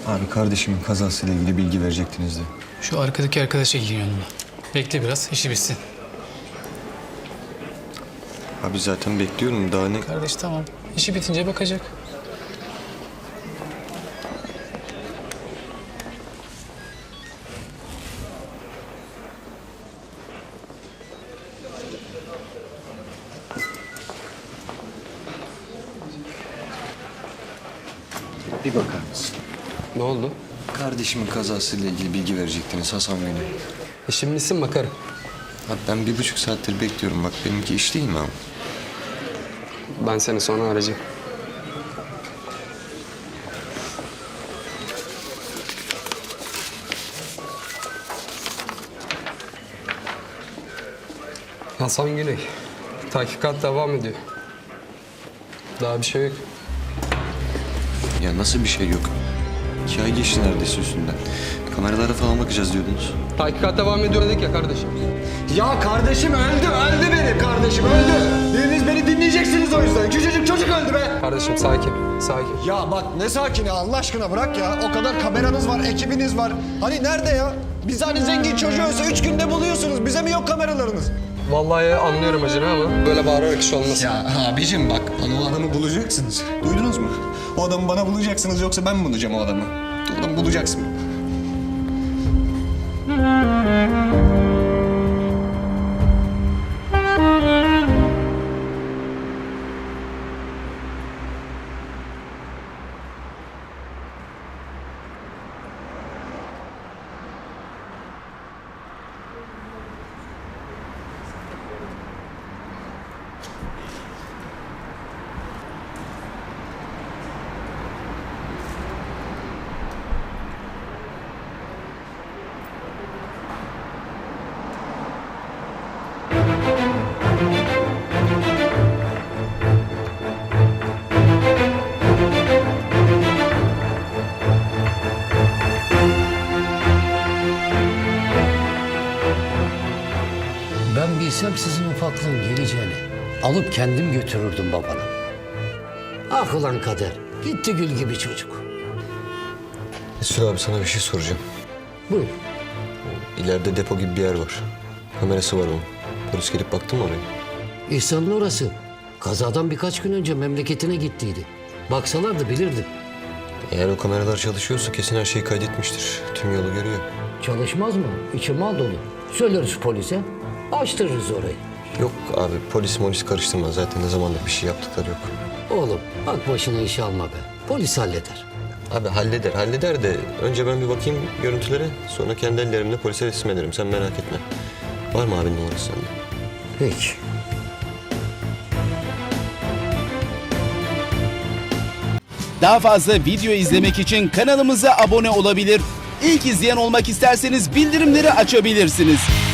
Abi kardeşimin kazasıyla ilgili bilgi verecektiniz de. Şu arkadaki arkadaşa gidiyor yanıma. Bekle biraz, işi bitsin. Abi zaten bekliyorum, daha ne... Kardeş tamam, işi bitince bakacak. Bir bakar mısın? Ne oldu? Kardeşimin kazasıyla ilgili bilgi verecektiniz Hasan Bey'le. Şimdisin bakarım. Abi ben 1,5 saattir bekliyorum, bak benimki iş değil mi abi? Ben seni sonra arayacağım. Hasan Güney. Tahkikat devam ediyor. Daha bir şey yok. Ya nasıl bir şey yok? 2 ay geçti neredeyse üstünden. Kameralara falan bakacağız diyordunuz. Tahkikat devam ediyor dedik ya kardeşim. Ya kardeşim öldü benim kardeşim öldü. Biriniz beni dinleyeceksiniz o yüzden. Küçücük çocuk öldü be. Kardeşim sakin. Ya bak ne sakini Allah aşkına bırak ya. O kadar kameranız var, ekibiniz var. Hani nerede ya? Biz hani zengin çocuğu ölse 3 günde buluyorsunuz. Bize mi yok kameralarınız? Vallahi anlıyorum acını ama böyle bağırarak iş olmaz. Ya abicim bak bana o adamı bulacaksınız. Duydunuz mu? O adamı bana bulacaksınız yoksa ben mi bulacağım o adamı? O adamı bulacaksın. Ben bilsem sizin ufaklığın geleceğini alıp kendim götürürdüm babana. Ah ulan kader, gitti gül gibi çocuk. Mesut abi sana bir şey soracağım. Buyur. İleride depo gibi bir yer var. Kamerası var onun. Polis gelip baktı mı oraya? İhsan'ın orası. Kazadan birkaç gün önce memleketine gittiydi. Baksalardı bilirdim. Eğer o kameralar çalışıyorsa kesin her şeyi kaydetmiştir. Tüm yolu görüyor. Çalışmaz mı? İçi mal dolu. Söyleriz polise, açtırırız orayı. Yok abi polis karıştırma. Zaten ne zamandır bir şey yaptıkları yok. Oğlum bak başına iş alma be. Polis halleder. Abi halleder de önce ben bir bakayım görüntülere. Sonra kendi ellerimle polise teslim ederim. Sen merak etme. Var mı abinin numarası sende? Peki. Daha fazla video izlemek için kanalımıza abone olabilir. İlk izleyen olmak isterseniz bildirimleri açabilirsiniz.